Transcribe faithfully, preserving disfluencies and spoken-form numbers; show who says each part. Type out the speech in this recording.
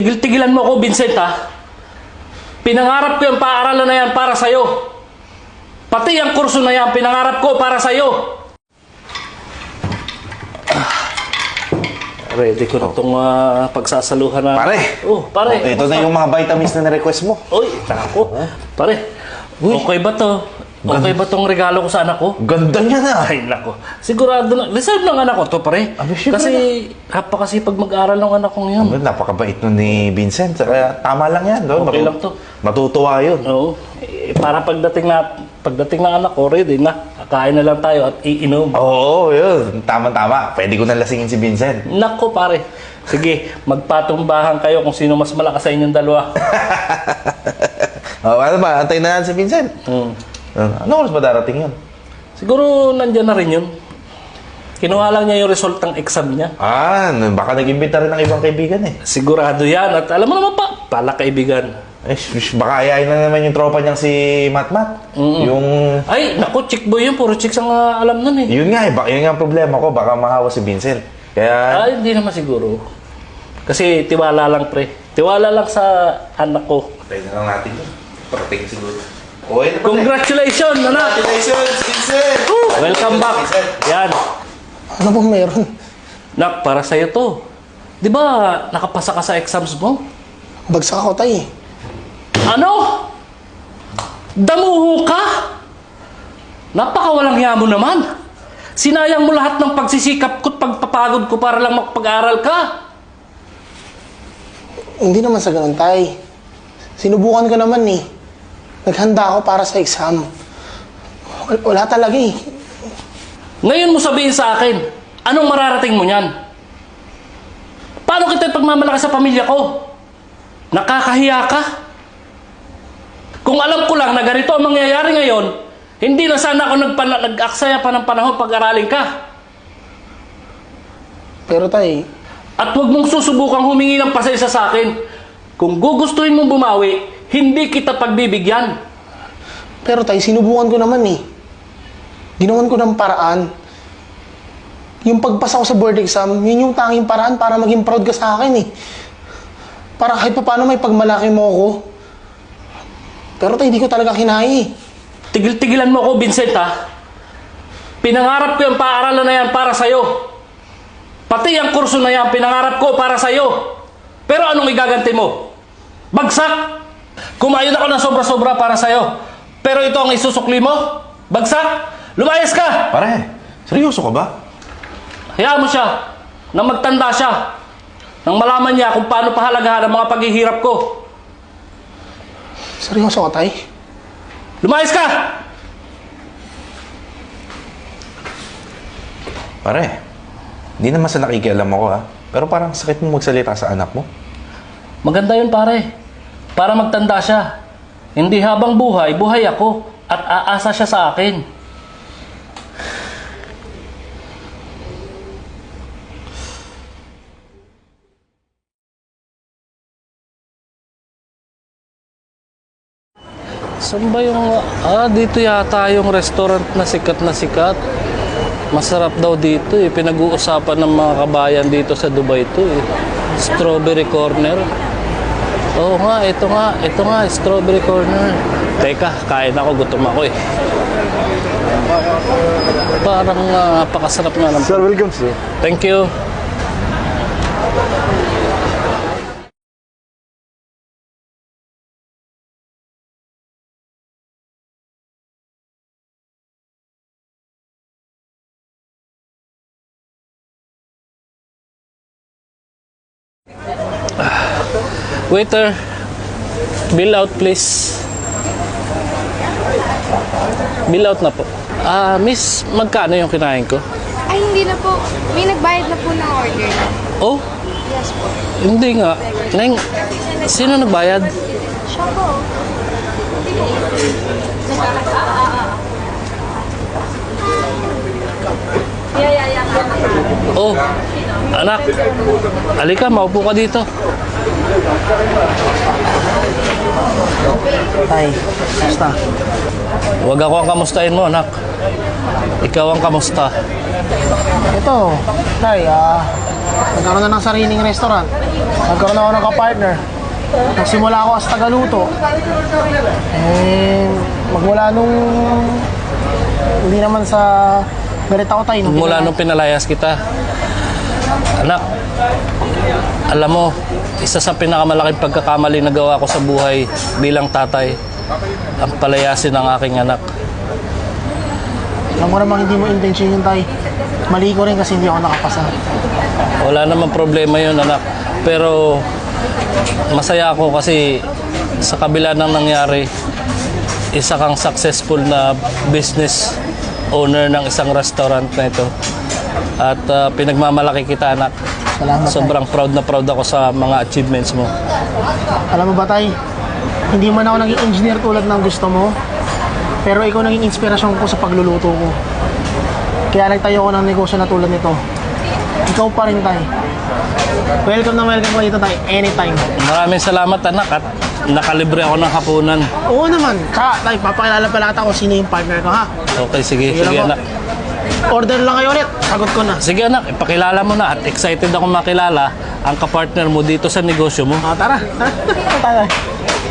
Speaker 1: Tigil-tigilan mo ako, Vincent, ha? Pinangarap ko yung paaralan na yan para sa'yo. Pati ang kurso na yan, pinangarap ko para sa'yo. Ah, ready ko na itong uh, pagsasaluhan na...
Speaker 2: Pare!
Speaker 1: Oh, pare.
Speaker 2: Oh, ito na yung mga vitamins na na-request mo.
Speaker 1: Uy, tako. Pare,
Speaker 2: Uy.
Speaker 1: okay ba to? Okay ba tong regalo ko sa anak ko?
Speaker 2: Ganda niya na!
Speaker 1: Ay, nako. Sigurado na. Reserve ng anak ko to, pare.
Speaker 2: Abi, syempre
Speaker 1: Kasi, napakasipag mag-aral ng anak kong yun.
Speaker 2: Oh, napakabait nun ni Vincent. Kaya tama lang yan. No?
Speaker 1: Okay
Speaker 2: Matu-
Speaker 1: lang to.
Speaker 2: Matutuwa yun.
Speaker 1: Oo. Eh, para pagdating na pagdating ng anak ko, ready na. Kakain na lang tayo at iinom.
Speaker 2: Oo, yun. Tama-tama. Pwede ko na lasingin si Vincent.
Speaker 1: Nako, pare. Sige, magpatumbahan kayo kung sino mas malakas sa inyong dalawa.
Speaker 2: Oh, ano ba? Antayin na natin si Vincent.
Speaker 1: Hmm.
Speaker 2: Ano oras ba darating yun?
Speaker 1: Siguro nandyan na rin yun. Kinuha lang niya yung result ng exam niya.
Speaker 2: Ah, baka nag-imbita rin ng ibang kaibigan eh.
Speaker 1: Sigurado yan. At alam mo naman pa, pala kaibigan.
Speaker 2: Eh, sh- baka ayayin na naman yung tropa niyang si Matmat.
Speaker 1: Mm-mm.
Speaker 2: Yung...
Speaker 1: Ay, naku, chick boy yun. Puro chicks ang uh, alam nun eh.
Speaker 2: Yun nga eh. Baka, yun nga ang problema ko. Baka mahawa si Vincent. Kaya...
Speaker 1: Ay, hindi naman siguro. Kasi tiwala lang, pre. Tiwala lang sa anak ko.
Speaker 2: Pwede na lang natin yun. Parating siguro. Okay na pala.
Speaker 1: Congratulations, anak!
Speaker 2: Congratulations, Vincent!
Speaker 1: Welcome back.
Speaker 2: Vincent.
Speaker 1: Yan.
Speaker 3: Ano bang meron?
Speaker 1: Nak, para sa'yo to. Di ba nakapasa ka sa exams mo?
Speaker 3: Bagsak ako, tay.
Speaker 1: Ano? Damuho ka? Napakawalang hiya mo naman. Sinayang mo lahat ng pagsisikap ko at pagpapagod ko para lang makapag-aral ka.
Speaker 3: Hindi naman sa ganun, tay. Sinubukan ko naman eh. Naghanda ako para sa exam. Wal- Wala talaga eh.
Speaker 1: Ngayon mo sabihin sa akin, anong mararating mo niyan? Paano kita pagmamalaki sa pamilya ko? Nakakahiya ka? Kung alam ko lang na ganito ang mangyayari ngayon, hindi na sana ako nagpana- nag-aksaya pa ng panahon pag-aralin ka.
Speaker 3: Pero tay,
Speaker 1: At huwag mong susubukang humingi ng pasensya sa akin. Kung gugustuhin mong bumawi, hindi kita pagbibigyan.
Speaker 3: pero tay, sinubukan ko naman eh. Ginawan ko ng paraan. Yung pagpasa ko sa board exam, yun yung tanging paraan para maging proud ka sa akin eh. Para kahit pa paano may pagmalaki mo ako. Pero tay, hindi ko talaga kinaya eh.
Speaker 1: Tigil-tigilan mo ako, Vincent, ha? Pinangarap ko yung paaralan na yan para sa'yo. Pati ang kurso na yan, pinangarap ko para sa'yo. Pero anong igaganti mo? Bagsak! Kumain ako ng sobra-sobra para sa'yo. Pero ito ang isusukli mo? Bagsak! Lumayas ka!
Speaker 2: Pare, seryoso ka ba?
Speaker 1: Hayaan mo siya na magtanda siya. Nang malaman niya kung paano pahalagahan ang mga paghihirap ko.
Speaker 3: Seryoso ka, tay?
Speaker 1: Lumayas ka!
Speaker 2: Pare, hindi naman sa nakikialam ako ha. Pero parang sakit mo magsalita sa anak mo.
Speaker 1: Maganda yun, pare. Para magtanda siya. Hindi habang buhay, buhay ako. At aasa siya sa akin. Saan ba yung... Ah, dito yata yung restaurant na sikat na sikat. Masarap daw dito eh. Pinag-uusapan ng mga kabayan dito sa Dubai to eh. Strawberry Corner. Oo nga, ito nga. Ito nga, Strawberry Corner. Teka, kain ako. Gutom ako eh. Parang uh, napakasarap nga ng...
Speaker 4: Sir, welcome sir.
Speaker 1: Thank you. Waiter, bill out please. Bill out na po. Ah, miss, magkano yung kinain ko?
Speaker 5: Ay, hindi na po. May nagbayad na po ng order.
Speaker 1: Oh,
Speaker 5: Yes po.
Speaker 1: hindi nga. Neng, sino nagbayad?
Speaker 5: Siya po. Yeah, yeah, yeah.
Speaker 1: Oh, anak, alika, maupo ka dito.
Speaker 3: Tay, basta.
Speaker 1: Huwag ako ang kamustahin mo, anak. Ikaw ang kamusta.
Speaker 3: Ito, tay, ah, Nagkaroon na ng sariling restaurant. Nagkaroon ako ng kapartner. Nagsimula ako as tagaluto. Eh, magmula nung... Hindi naman sa... Galit ako tayo.
Speaker 1: Mula nung pinalayas kita. Anak, alam mo, isa sa pinakamalaking pagkakamali na gawa ko sa buhay bilang tatay, ang palayasin ng aking anak.
Speaker 3: Alam ko namang hindi mo intention yun tayo. Mali ko rin kasi hindi ako nakapasa.
Speaker 1: Wala namang problema yun, anak. Pero masaya ako kasi sa kabila ng nangyari, isa kang successful na business owner ng isang restaurant na ito. At uh, pinagmamalaki kita, anak.
Speaker 3: Salamat, tay.
Speaker 1: Sobrang proud na proud ako sa mga achievements mo.
Speaker 3: Alam mo ba tay, hindi man ako naging engineer tulad ng gusto mo, pero ikaw naging inspirasyon ko sa pagluluto ko. Kaya nagtayo ko ng negosyo na tulad nito. Ikaw pa rin tay. Welcome na welcome ko dito tay, anytime.
Speaker 1: Maraming salamat, anak, at nakalibre ako ng hapunan.
Speaker 3: Oo naman, tsaka tay, papakilala pala kita kung sino yung partner ko ha.
Speaker 1: Okay, sige,
Speaker 3: Sige
Speaker 1: sige,
Speaker 3: lang po.
Speaker 1: anak.
Speaker 3: Order lang kayo ulit, sagot ko na.
Speaker 1: Sige, anak, ipakilala mo na at excited ako makilala ang kapartner mo dito sa negosyo mo.
Speaker 3: Ah, tara, tara, tara.